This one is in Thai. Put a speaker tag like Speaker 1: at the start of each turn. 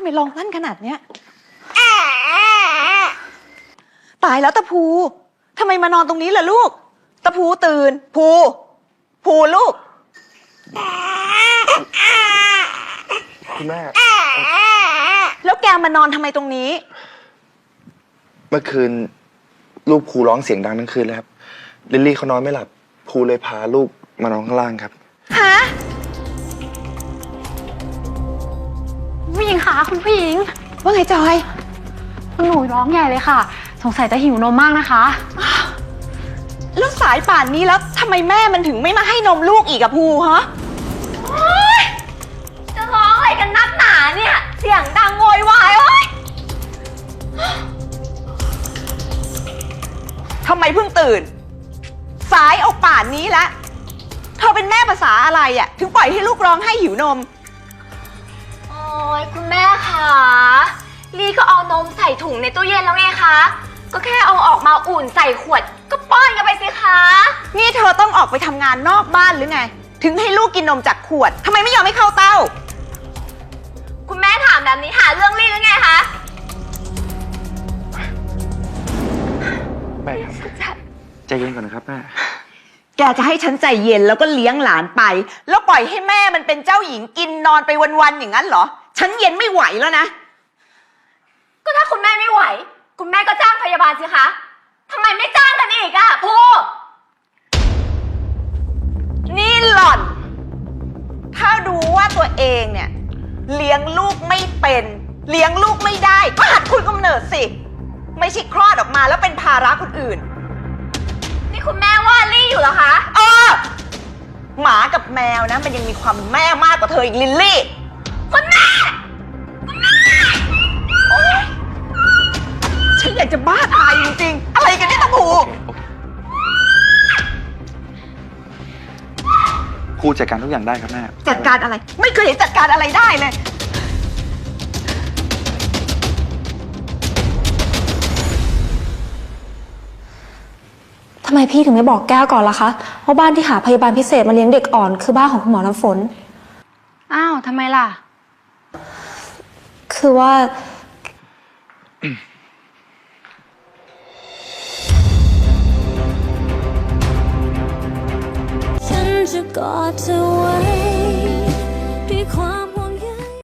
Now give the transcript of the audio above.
Speaker 1: ไมร้องลั่นขนาดเนี้ยตายแล้วตะภูทำไมมานอนตรงนี้ล่ะลูกตะภูตื่นภูลูก
Speaker 2: คุณแม่
Speaker 1: แล้วแกมานอนทำไมตรงนี้
Speaker 2: เมื่อคืนลูกภูร้องเสียงดังทั้งคืนเลยครับลิลลี่เขานอนไม่หลับภูเลยพาลูกมานอนข้างล่างครับ
Speaker 1: ฮะ
Speaker 3: ผู้หญิงคะคุณผู้หญิง
Speaker 1: ว่าไงจอย
Speaker 3: คุณหนูร้องใหญ่เลยค่ะสงสัยจะหิวนมมากนะคะ
Speaker 1: แล้วสายป่านนี้แล้วทำไมแม่มันถึงไม่มาให้นมลูกอีกอะภูฮะ
Speaker 4: จะร้องอะไรกันนักหนาเนี่ยเสียงดังโวยวายโอ๊ย
Speaker 1: ทำไมเพิ่งตื่นสายเอาป่านนี้แล้วเธอเป็นแม่ภาษาอะไรอะถึงปล่อยให้ลูกร้องให้หิวนม
Speaker 4: โอ๊ยคุณแม่คะลี่ก็เอานมใส่ถุงในตู้เย็นแล้วไงคะก็แค่เอาออกมาอุ่นใส่ขวดก็ป้อนกันไปสิคะ
Speaker 1: นี่เธอต้องออกไปทำงานนอกบ้านหรือไงถึงให้ลูกกินนมจากขวดทำไมไม่ยอมให้เข้าเต้า
Speaker 4: คุณแม่ถามแบบนี้หาเรื่องลี่หรือไงคะ
Speaker 2: แม่ครับใจเย็นก่อนนะครับแม่
Speaker 1: แกจะให้ฉันใจเย็นแล้วก็เลี้ยงหลานไปแล้วปล่อยให้แม่มันเป็นเจ้าหญิงกินนอนไปวันๆอย่างนั้นเหรอฉันเย็นไม่ไหวแล้วนะ
Speaker 4: ก็ถ้าคุณแม่ไม่ไหวคุณแม่ก็จ้างพยาบาลสิคะทำไมไม่จ้างกันอีกอะพู
Speaker 1: นี่หล่อนถ้าดูว่าตัวเองเนี่ยเลี้ยงลูกไม่เป็นเลี้ยงลูกไม่ได้ก็หัดคุยกำเนิดสิไม่ใช่คลอดออกมาแล้วเป็นภาระคนอื่น
Speaker 4: นี่คุณแม่ว่าลี่อยู่เหรอคะ
Speaker 1: หมากับแมวนะมันยังมีความแม่มากกว่าเธออีกลิลลี่
Speaker 4: คุณแม่
Speaker 1: ฉันอยากจะบ้าตายจริงๆอะไรกันเนี่ยตะภู
Speaker 2: ภูจัดการทุกอย่างได้ครับแม่
Speaker 1: จัดการอะไรไม่เคยเห็นจัดการอะไรได้เลย
Speaker 3: ทำไมพี่ถึงไม่บอกแก้วก่อนล่ะคะว่าบ้านที่หาพยาบาลพิเศษมาเลี้ยงเด็กอ่อนคือบ้านของคุณหมอน้ำฝน
Speaker 5: อ้าวทำไมล่ะ
Speaker 3: คือว่า
Speaker 6: ฉันจะกอดเธอไว้ด้วยความ